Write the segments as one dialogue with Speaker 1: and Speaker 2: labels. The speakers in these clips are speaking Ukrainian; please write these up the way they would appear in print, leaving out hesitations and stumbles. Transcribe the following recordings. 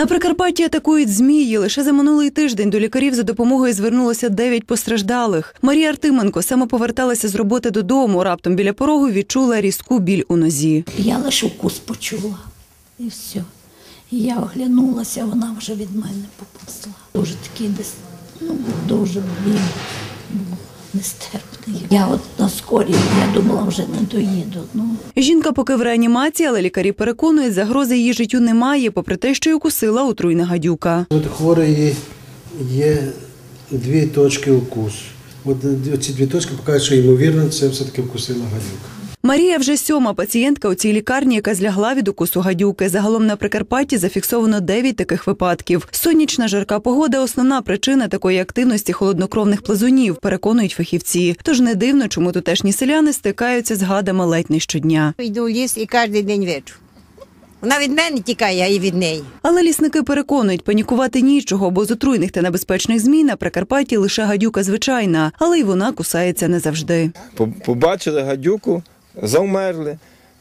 Speaker 1: На Прикарпатті атакують змії. Лише за минулий тиждень до лікарів за допомогою звернулося 9 постраждалих. Марія Артименко саме поверталася з роботи додому. Раптом біля порогу відчула різку біль у нозі.
Speaker 2: Я лише укус почула і все. І я оглянулася, вона вже від мене поповзла. Дуже такий десь, дуже біль був нестерпний. Я от на скорій, я думала, вже не доїду.
Speaker 1: Жінка поки в реанімації, але лікарі переконують, загрози її життю немає, попри те, що й укусила отруйна гадюка.
Speaker 3: У хворої є 2 точки укусу. Ці 2 точки показують, що ймовірно це все-таки вкусила гадюка.
Speaker 1: Марія вже 7-ма пацієнтка у цій лікарні, яка злягла від укусу гадюки. Загалом на Прикарпатті зафіксовано 9 таких випадків. Сонячна жарка погода – основна причина такої активності холоднокровних плазунів, переконують фахівці. Тож не дивно, чому тутешні селяни стикаються з гадами ледь не щодня.
Speaker 4: Йду в ліс і кожен день вечір. Вона від мене тікає, а і від неї.
Speaker 1: Але лісники переконують, панікувати нічого, бо з отруйних та небезпечних змій на Прикарпатті лише гадюка звичайна, але й вона кусається не завжди.
Speaker 5: Побачили гадюку, завмерли,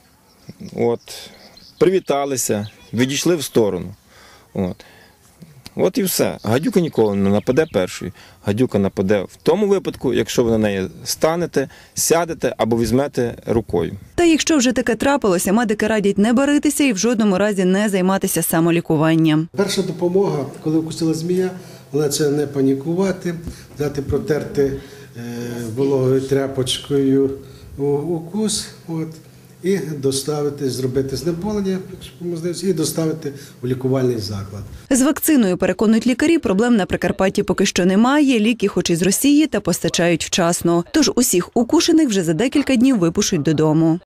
Speaker 5: привіталися, відійшли в сторону. От і все. Гадюка ніколи не нападе першою. Гадюка нападе в тому випадку, якщо ви на неї станете, сядете або візьмете рукою.
Speaker 1: Та якщо вже таке трапилося, медики радять не баритися і в жодному разі не займатися самолікуванням.
Speaker 3: Перша допомога, коли вкусила змія, вона це не панікувати, дати протерти вологою тряпочкою укус, і доставити, зробити знеболення, і доставити у лікувальний заклад.
Speaker 1: З вакциною, переконують лікарі, проблем на Прикарпатті поки що немає. Ліки хоч і з Росії, та постачають вчасно. Тож усіх укушених вже за декілька днів випишуть додому.